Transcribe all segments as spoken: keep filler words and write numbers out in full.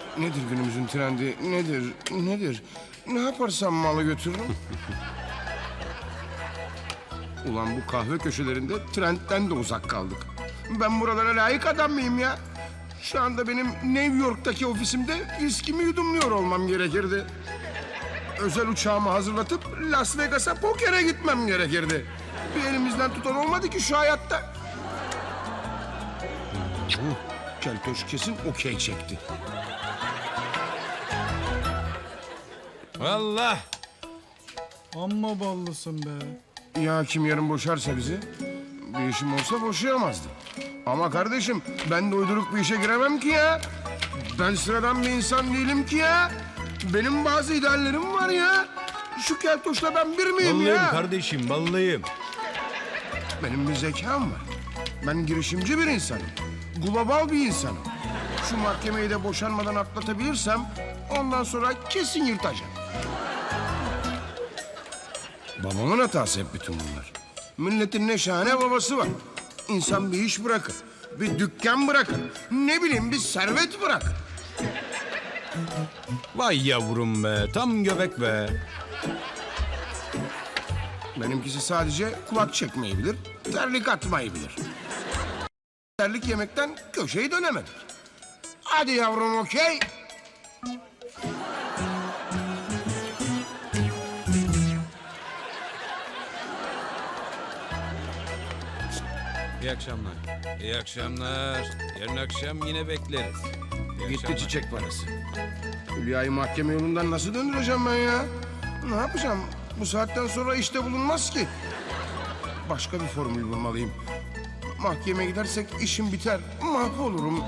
Nedir günümüzün trendi? Nedir? Nedir? Ne yaparsam malı götürürüm. Ulan bu kahve köşelerinde trendten de uzak kaldık. Ben buralara layık adam mıyım ya? Şu anda benim New York'taki ofisimde viskimi yudumluyor olmam gerekirdi. Özel uçağımı hazırlatıp Las Vegas'a pokere gitmem gerekirdi. Bir elimizden tutan olmadı ki şu hayatta. Keltoş kesin okey çekti. Vallahi. Amma ballısın be. Ya kim yarın boşarsa bizi? Bir işim olsa boşayamazdı. Ama kardeşim ben de uyduruk bir işe giremem ki ya. Ben sıradan bir insan değilim ki ya. Benim bazı ideallerim var ya. Şu keltoşla ben bir miyim Vallahi ya? kardeşim, vallahi. Benim bir zekam var. Ben girişimci bir insanım. Global bir insanım. Şu mahkemeyi de boşanmadan atlatabilirsem ondan sonra kesin yırtacağım. Babamın hatası hep bütün bunlar. Milletin ne şahane babası var. İnsan bir iş bırakır, bir dükkan bırakır, ne bileyim bir servet bırakır. Vay yavrum be, tam göbek be. Benimkisi sadece kulak çekmeyi bilir, terlik atmayı bilir. Terlik yemekten köşeyi dönemedik. Hadi yavrum okey. İyi akşamlar. İyi akşamlar. Yarın akşam yine bekleriz. İyi Gitti akşamlar. çiçek parası. Hülya'yı mahkeme yolundan nasıl döndüreceğim ben ya? Ne yapacağım? Bu saatten sonra işte bulunmaz ki. Başka bir formül bulmalıyım. Mahkemeye gidersek işim biter. Mahvolurum.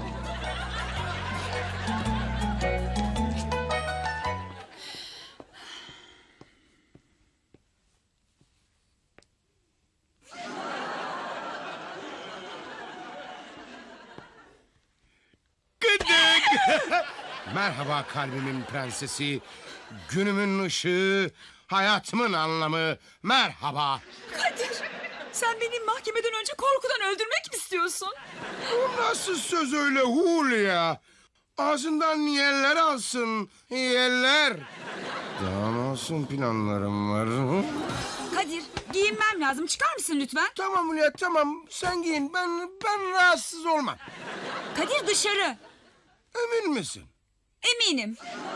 Gıdık! Merhaba kalbimin prensesi. Günümün ışığı, hayatımın anlamı. Merhaba. Kadir, sen beni mahkemeden önce korkudan öldürmek mi istiyorsun? Bu nasıl söz öyle Hulya? Ağzından yeller alsın, yeller. Daha nasıl planlarım var? Hı? Kadir, giyinmem lazım. Çıkar mısın lütfen? Tamam Hulya tamam. Sen giyin. Ben ben rahatsız olmam. Kadir dışarı. Emin misin? Eminim.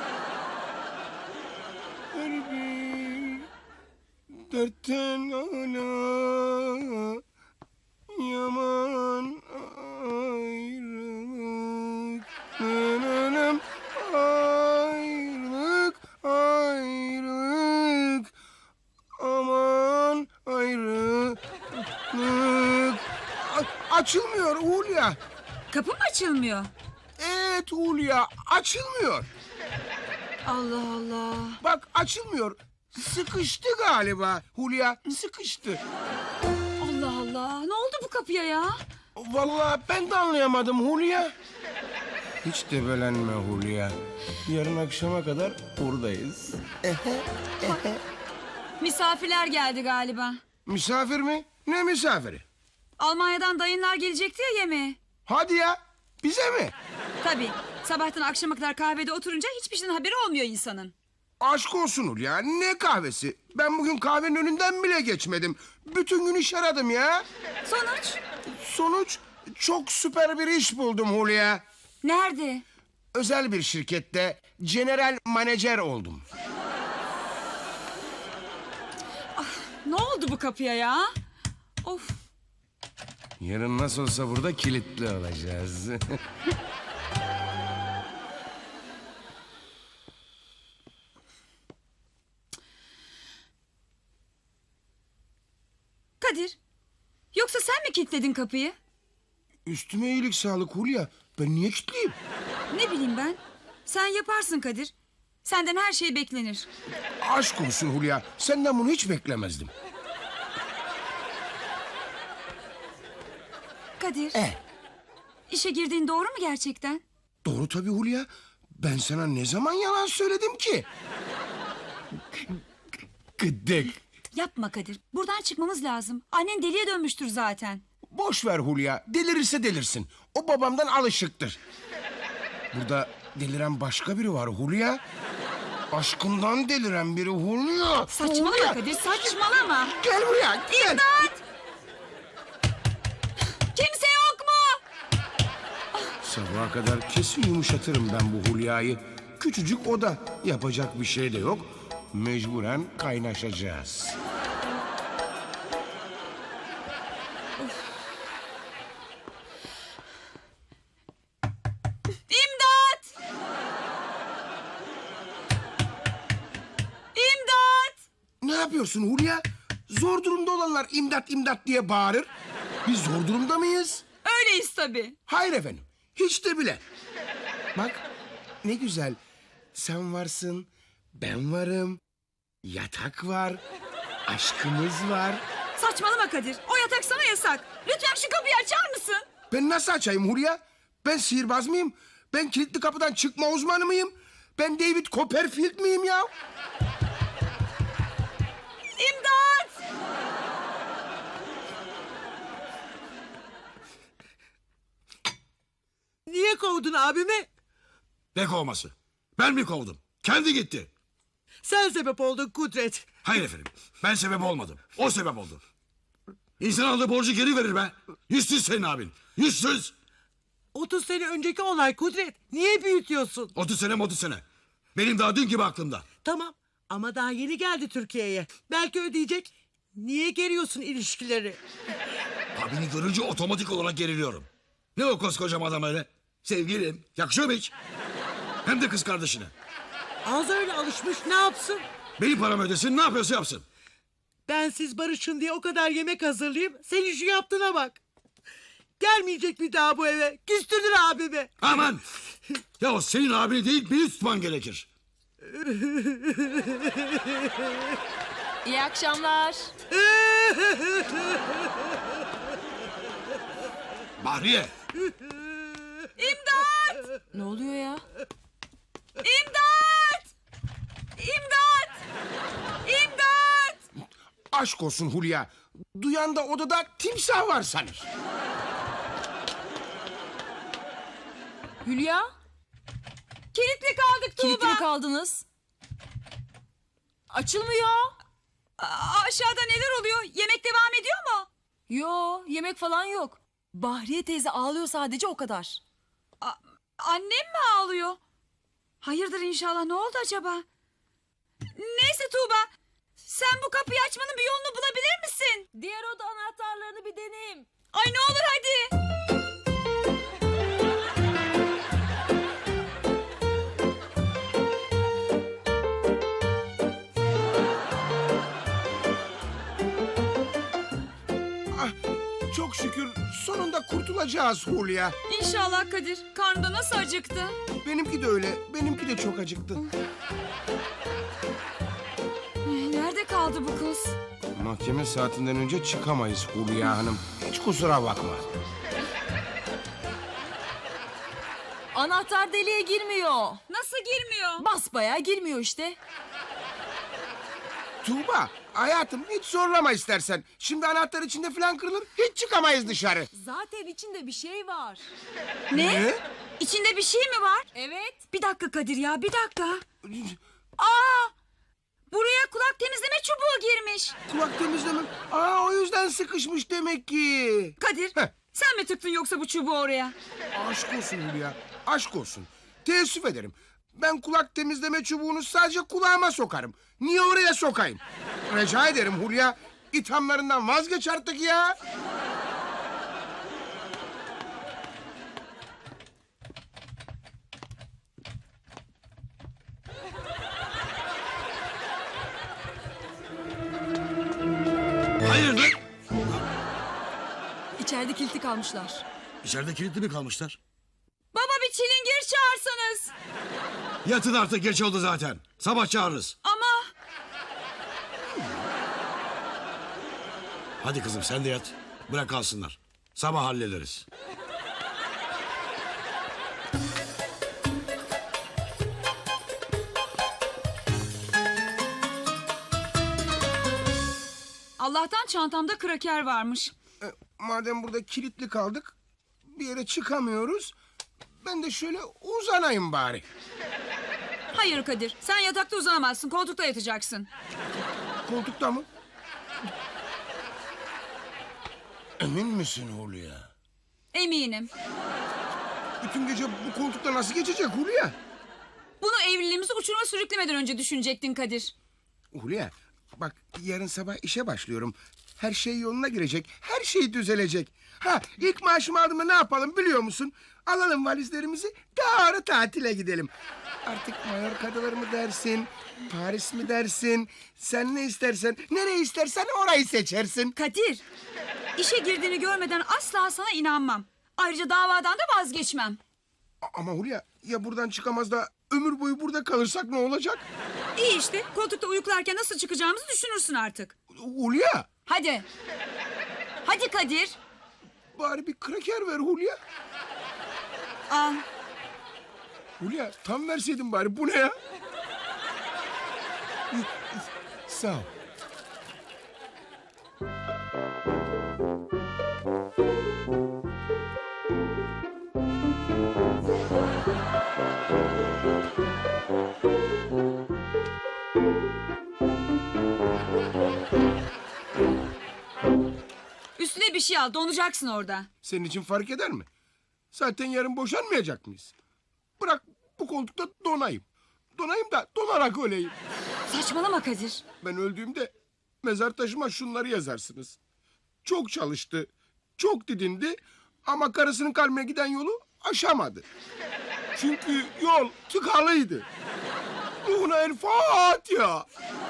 Kalbim dertten ana yaman ayrılık nananam ayrılık ayrılık aman ayrılık A- açılmıyor Hulya. Kapı mı açılmıyor? Evet Hulya açılmıyor. Allah Allah. Bak açılmıyor. Sıkıştı galiba Hulya, sıkıştı. Allah Allah. Ne oldu bu kapıya ya? Vallahi ben de anlayamadım Hulya. Hiç debelenme Hulya. Yarın akşama kadar buradayız. Misafirler geldi galiba. Misafir mi? Ne misafiri? Almanya'dan dayınlar gelecekti ya yemeğe. Hadi ya, bize mi? Tabii. Sabahtan akşama kadar kahvede oturunca hiçbir şeyden haberi olmuyor insanın. Aşk olsun Hulya, ne kahvesi? Ben bugün kahvenin önünden bile geçmedim. Bütün gün iş aradım ya. Sonuç? Sonuç çok süper bir iş buldum Hulya. Nerede? Özel bir şirkette general manager oldum. Ne oldu bu kapıya ya? Of. Yarın nasıl olsa burada kilitli olacağız. Kadir. Yoksa sen mi kilitledin kapıyı? Üstüme iyilik sağlık Hulya. Ben niye kilitliyim? Ne bileyim ben. Sen yaparsın Kadir. Senden her şey beklenir. Aşk olsun Hulya. Senden bunu hiç beklemezdim. Kadir. E, İşe girdiğin doğru mu gerçekten? doğru tabii Hulya. Ben sana ne zaman yalan söyledim ki? Gıdık. Yapma Kadir. Buradan çıkmamız lazım. Annen deliye dönmüştür zaten. Boş ver Hulya. Delirirse delirsin. O babamdan alışıktır. Burada deliren başka biri var Hulya. Aşkından deliren biri Hulya. Saçmalama Hulya. Kadir, saçmalama. Gel buraya gel. İmdat! Kimse yok mu? Sabaha kadar kesin yumuşatırım ben bu Hulya'yı. Küçücük oda. Yapacak bir şey de yok. Mecburen kaynaşacağız. İmdat! İmdat! Ne yapıyorsun Hulya? Zor durumda olanlar imdat imdat diye bağırır. Biz zor durumda mıyız? Öyleyiz tabii. Hayır efendim. Hiç de bile. Bak ne güzel. Sen varsın, ben varım. Yatak var, aşkımız var. Saçmalama Kadir. O yatak sana yasak. Lütfen şu kapıyı açar mısın? Ben nasıl açayım Hulya? Ben sihirbaz mıyım? Ben kilitli kapıdan çıkma uzmanı mıyım? Ben David Copperfield miyim ya? İmdat! Niye kovdun abimi? Ne kovması? Ben mi kovdum? Kendi gitti. Sen sebep oldun Kudret. Hayır efendim. Ben sebep olmadım. O sebep oldu. İnsan aldığı borcu geri verir be. Yüzsüz senin abin. Yüzsüz. otuz sene önceki olay Kudret. Niye büyütüyorsun? otuz sene otuz sene. Benim daha dün gibi aklımda. Tamam ama daha yeni geldi Türkiye'ye. Belki ödeyecek. Niye geriyorsun ilişkileri? Abini görünce otomatik olarak geriliyorum. Ne o koskocaman adam öyle? Sevgilim. Yakışıyor mu hiç? Hem de kız kardeşine. Az öyle alışmış ne yapsın? Benim paramı ödesin, ne yapıyorsa yapsın. Ben siz barışın diye o kadar yemek hazırlayayım. Senin şu yaptığına bak. Gelmeyecek bir daha bu eve. Küstürdün abimi. Aman! Ya o senin abini değil, beni tutman gerekir. İyi akşamlar. Bahriye! İmdat! Ne oluyor ya? İmdat! İmdat! İmdat! Aşk olsun Hulya. Duyan da odada timsah var sanır. Hülya? Kilitli kaldık Tuğba. Kilitli mi kaldınız? Açılmıyor. Aa, aşağıda neler oluyor? Yemek devam ediyor mu? Yo, yemek falan yok. Bahriye teyze ağlıyor sadece o kadar. A- annem mi ağlıyor? Hayırdır inşallah, ne oldu acaba? Neyse Tuğba, sen bu kapıyı açmanın bir yolunu bulabilir misin? Diğer oda anahtarlarını bir deneyeyim. Ay ne olur hadi. Ah, çok şükür sonunda kurtulacağız Hulya. İnşallah Kadir. Karnında nasıl acıktı? Benimki de öyle. Benimki de çok acıktı. Nerede kaldı bu kız? Mahkeme saatinden önce çıkamayız Hulya Hanım. Hiç kusura bakma. Anahtar deliğe girmiyor. Nasıl girmiyor? Basbayağı girmiyor işte. Tuğba, hayatım hiç zorlama istersen. Şimdi anahtar içinde falan kırılır, hiç çıkamayız dışarı. Zaten içinde bir şey var. Ne? İçinde bir şey mi var? Evet. Bir dakika Kadir ya, bir dakika. Aa! Buraya kulak temizleme çubuğu girmiş. Kulak temizleme. Aa, o yüzden sıkışmış demek ki. Kadir, Heh. sen mi tıktın yoksa bu çubuğu oraya? Aşk olsun Hülya, aşk olsun. Teessüf ederim. Ben kulak temizleme çubuğunu sadece kulağıma sokarım. Niye oraya sokayım? Rica ederim Hulya. İthamlarından vazgeç artık ya. Hayır lan! İçeride kilitli kalmışlar. İçeride kilitli mi kalmışlar? Baba bir çilingir çağırsanız. Yatın artık, geç oldu zaten. Sabah çağırırız. Ama Hadi kızım sen de yat. Bırak kalsınlar. Sabah hallederiz. Allah'tan çantamda kraker varmış. E, madem burada kilitli kaldık, bir yere çıkamıyoruz. Ben de şöyle uzanayım bari. Hayır Kadir, sen yatakta uzanamazsın, koltukta yatacaksın. Koltukta mı? Emin misin Hulya? Eminim. Bütün gece bu koltukta nasıl geçecek Hulya? Bunu evliliğimizi uçuruma sürüklemeden önce düşünecektin Kadir. Hulya bak yarın sabah işe başlıyorum. Her şey yoluna girecek. Her şey düzelecek. Ha ilk maaşımı aldığımda ne yapalım biliyor musun? Alalım valizlerimizi doğru tatile gidelim. Artık Mallorca'dalar mı dersin? Paris mi dersin? Sen ne istersen, nereye istersen orayı seçersin. Kadir, işe girdiğini görmeden asla sana inanmam. Ayrıca davadan da vazgeçmem. A- Ama Hulya ya buradan çıkamaz da ömür boyu burada kalırsak ne olacak? İyi işte, koltukta uyuklarken nasıl çıkacağımızı düşünürsün artık. Hulya Hadi. Hadi Kadir. bari bir kraker ver Hulya. Al. Hulya tam verseydin bari bu ne ya? Sağ ol. Üstüne bir şey al, donacaksın orada. Senin için fark eder mi? Zaten yarın boşanmayacak mıyız? Bırak bu koltukta donayım. Donayım da donarak öleyim. Saçmalama Kadir. Ben öldüğümde mezar taşıma şunları yazarsınız. Çok çalıştı, çok didindi ama karısının kalbine giden yolu aşamadı. Çünkü yol tıkalıydı. Ruhuna el Fatiha.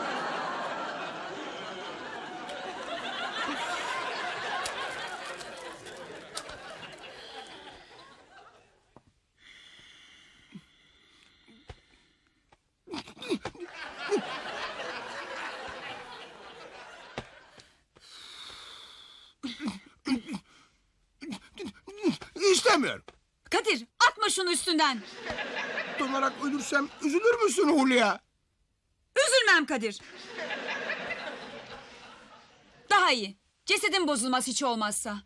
İstemiyorum. Kadir, atma şunu üstünden. Donarak ölürsem üzülür müsün Hulya? Üzülmem Kadir. Daha iyi. Cesedin bozulmaz hiç olmazsa.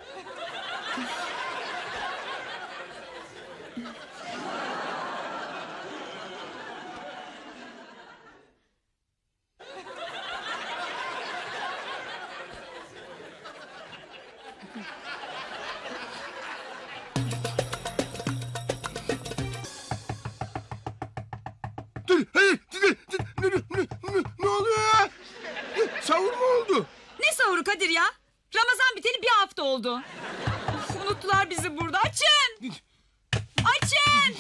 Dur, hayır, dur, dur, dur, ne, ne, ne, ne oluyor ya? Savur mu oldu? Ne sahuru Kadir ya? Ramazan biteli bir hafta oldu. Uf, unuttular bizi burada. Açın! Açın!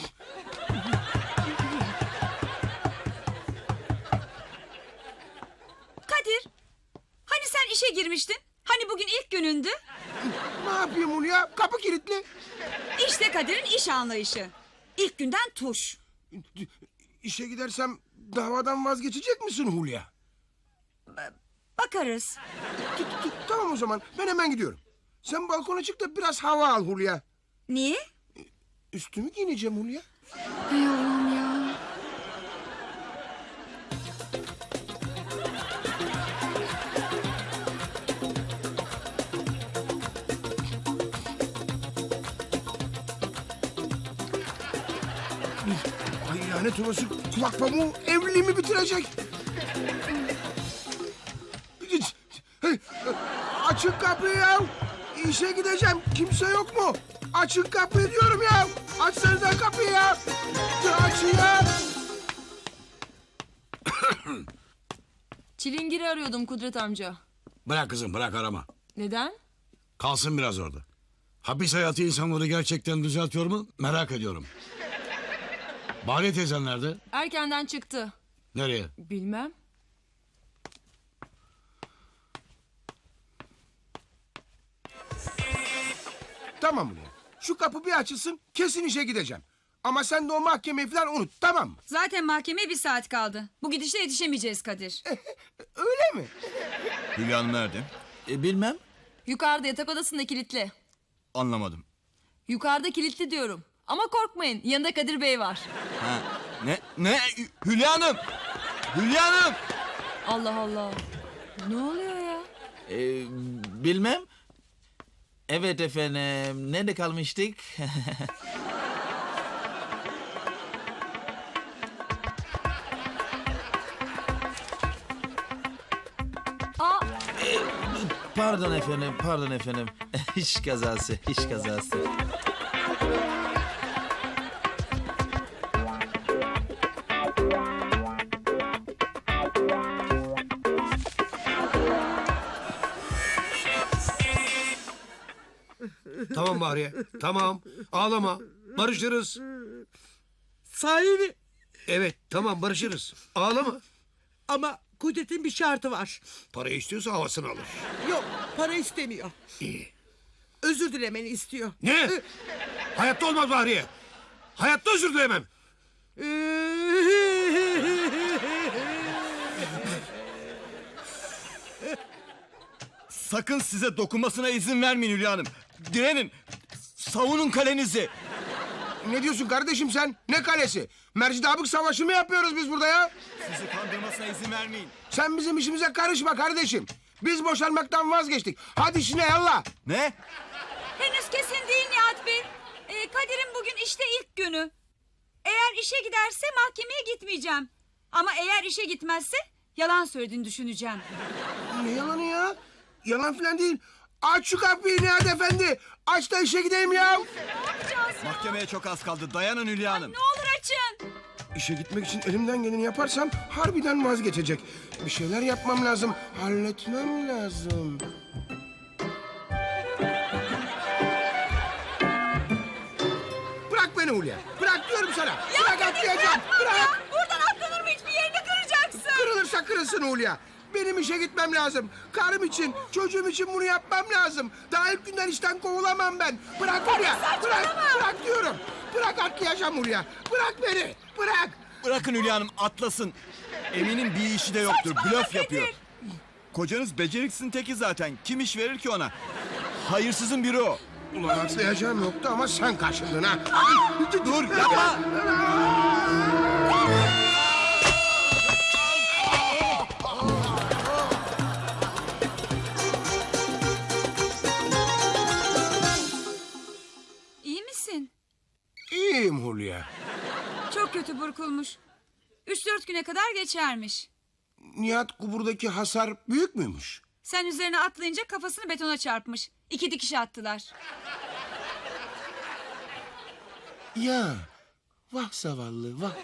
Kadir, hani sen işe girmiştin? Hani bugün ilk günündü? Ne yapayım Hulya? Kapı kilitli. İşte Kadir'in iş anlayışı. İlk günden tuş. İşe gidersem davadan vazgeçecek misin Hulya? Bakarız. T- t- Tamam o zaman ben hemen gidiyorum. Sen balkona çık da biraz hava al Hulya. Niye? Üstümü giyineceğim Hulya. Hay Allah'ım ya. Ay lanet olası kulak pamuğu evliliğimi bitirecek. Açın kapıyı ya. İşe gideceğim. Kimse yok mu? Açın kapıyı diyorum ya. Açsanıza kapıyı ya. Açın ya. Çilingiri arıyordum Kudret amca. Bırak kızım bırak arama. Neden? Kalsın biraz orada. Hapis hayatı insanları gerçekten düzeltiyor mu merak ediyorum. Bahriye teyzen nerede? Erkenden çıktı. Nereye? Bilmem. Tamam Hulya. Şu kapı bir açılsın kesin işe gideceğim. Ama sen de o mahkemeyi falan unut tamam mı? Zaten mahkemeye bir saat kaldı. Bu gidişle yetişemeyeceğiz Kadir. Öyle mi? Hülya Hanım nerede? E, bilmem. Yukarıda yatak odasında kilitli. Anlamadım. Yukarıda kilitli diyorum. Ama korkmayın, yanında Kadir Bey var. Ha, ne? Ne? Hülya Hanım! Hülya Hanım! Allah Allah. Ne oluyor ya? E, bilmem. Evet efendim. Nerede kalmıştık? pardon efendim, pardon efendim. İş kazası, iş kazası. Tamam Bahriye. Tamam. Ağlama. Barışırız. Sahi mi? Evet tamam barışırız. Ağlama. Ama Kudret'in bir şartı var. Para istiyorsa havasını alır. Yok, para istemiyor. İyi. Özür dilemeni istiyor. Ne? Hayatta olmaz Bahriye. Hayatta özür dilemem. Sakın size dokunmasına izin vermeyin Hülya Hanım. Direnin. Savunun kalenizi. Ne diyorsun kardeşim sen? Ne kalesi? Mercidabık savaşı mı yapıyoruz biz burada ya? Sizi kandırmasına izin vermeyin. Sen bizim işimize karışma kardeşim. Biz boşanmaktan vazgeçtik. Hadi işine yallah. Ne? Henüz kesin değil Nihat Bey. Ee, Kadir'in bugün işte ilk günü. Eğer işe giderse mahkemeye gitmeyeceğim. Ama eğer işe gitmezse yalan söylediğini düşüneceğim. Ne yalanı ya? Yalan falan değil. Aç şu kapıyı Nihat Efendi. Aç da işe gideyim ya. Mahkemeye çok az kaldı. Dayanın Hülya Hanım. Ne olur açın. İşe gitmek için elimden geleni yaparsam harbiden vazgeçecek. Bir şeyler yapmam lazım. Halletmem lazım. Bırak beni Hulya. Bırak diyorum sana. Ya Bırak Kadir atlayacağım. bırakma Bırak. ya. Buradan atlanır mı, hiçbir yerini kıracaksın. Kırılırsa kırılsın Hulya. Benim işe gitmem lazım. Karım için, çocuğum için bunu yapmam lazım. Daha ilk günden işten kovulamam ben. Bırak Hulya. Bırak. Bırak diyorum. Bırak atlayacağım Hulya. Bırak beni. Bırak. Bırakın Hülya Hanım atlasın. Eminim bir işi de yoktur. Blöf yapıyor. Kocanız beceriksizin teki zaten. Kim iş verir ki ona? Hayırsızın biri o. Ulan atlayacağım yoktu ama sen kaçırdın ha. Dur yapma. İyi misin? İyiyim Hulya. Çok kötü burkulmuş. Üç dört güne kadar geçermiş. Nihat Kubur'daki hasar büyük müymüş? Sen üzerine atlayınca kafasını betona çarpmış. İki dikiş attılar. Ya vah zavallı vah.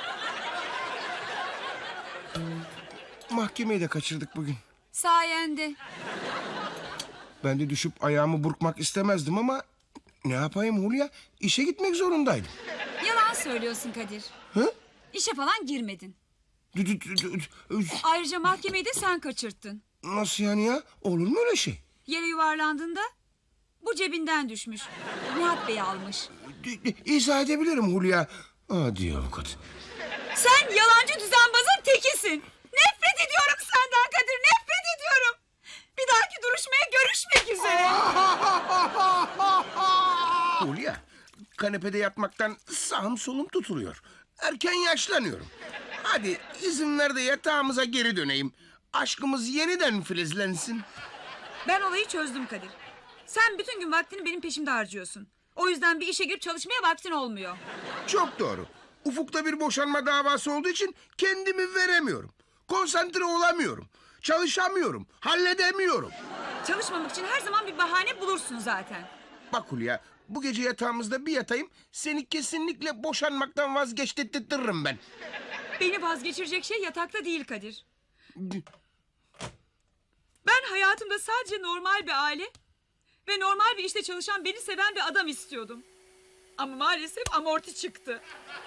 Mahkemeyi de kaçırdık bugün. Sayende. Ben de düşüp ayağımı burkmak istemezdim ama... ...ne yapayım Hulya? İşe gitmek zorundaydım. Yalan söylüyorsun Kadir. Hı? İşe falan girmedin. Dü- dü- dü- dü- dü- Ayrıca mahkemeyi de sen kaçırttın. Nasıl yani ya? Olur mu öyle şey? Yere yuvarlandığında bu cebinden düşmüş. Nihat Bey almış. Dü- dü- İzah edebilirim Hulya. Hadi avukat. Sen yalancı düzenbazın tekisin. Nefret ediyorum senden Kadir, nefret ediyorum. Bir dahaki duruşmaya görüşmek üzere. Hulya, kanepede yatmaktan sağım solum tutuluyor. Erken yaşlanıyorum. Hadi izin ver de yatağımıza geri döneyim. Aşkımız yeniden filizlensin. Ben olayı çözdüm Kadir. Sen bütün gün vaktini benim peşimde harcıyorsun. O yüzden bir işe girip çalışmaya vaktin olmuyor. Çok doğru. Ufukta bir boşanma davası olduğu için kendimi veremiyorum. Konsantre olamıyorum. Çalışamıyorum. Halledemiyorum. Çalışmamak için her zaman bir bahane bulursun zaten. Bak Hulya, bu gece yatağımızda bir yatayım... ...seni kesinlikle boşanmaktan vazgeçtirtirim ben. Beni vazgeçirecek şey yatakta değil Kadir. Ben hayatımda sadece normal bir aile... ...ve normal bir işte çalışan, beni seven bir adam istiyordum. Ama maalesef amorti çıktı.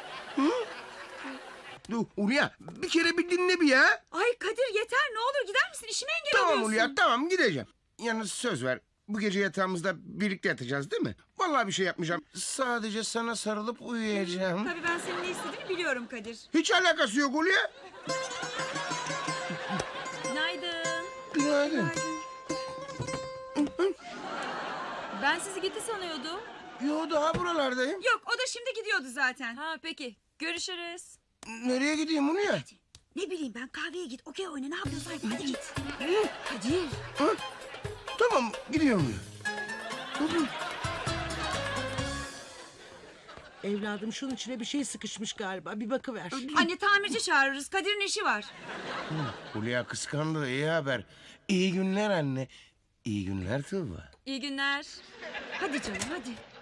Dur Hulya, bir kere bir dinle bir ya. Ay Kadir yeter, ne olur gider misin? İşime engel Tamam oluyorsun. Hulya, tamam gideceğim. Yalnız söz ver, bu gece yatağımızda birlikte yatacağız değil mi? Vallahi bir şey yapmayacağım. Sadece sana sarılıp uyuyacağım. Tabii ben senin ne istediğini biliyorum Kadir. Hiç alakası yok Hulya. Günaydın. Günaydın. Ben sizi gitti sanıyordum. Yo, daha buralardayım. Yok, o da şimdi gidiyordu zaten. Ha peki. Görüşürüz. Nereye gideyim Hulya? Ne bileyim ben, kahveye git, okey oyna, ne yapıyorsan yap, hadi git. Kadir. Ha? Tamam, gidiyorum. Evladım şunun içine bir şey sıkışmış galiba. Bir bakıver. Anne tamirci çağırırız, Kadir'in işi var. Hulya kıskandı, iyi haber. İyi günler anne. İyi günler Tuğba. İyi günler. Hadi canım hadi.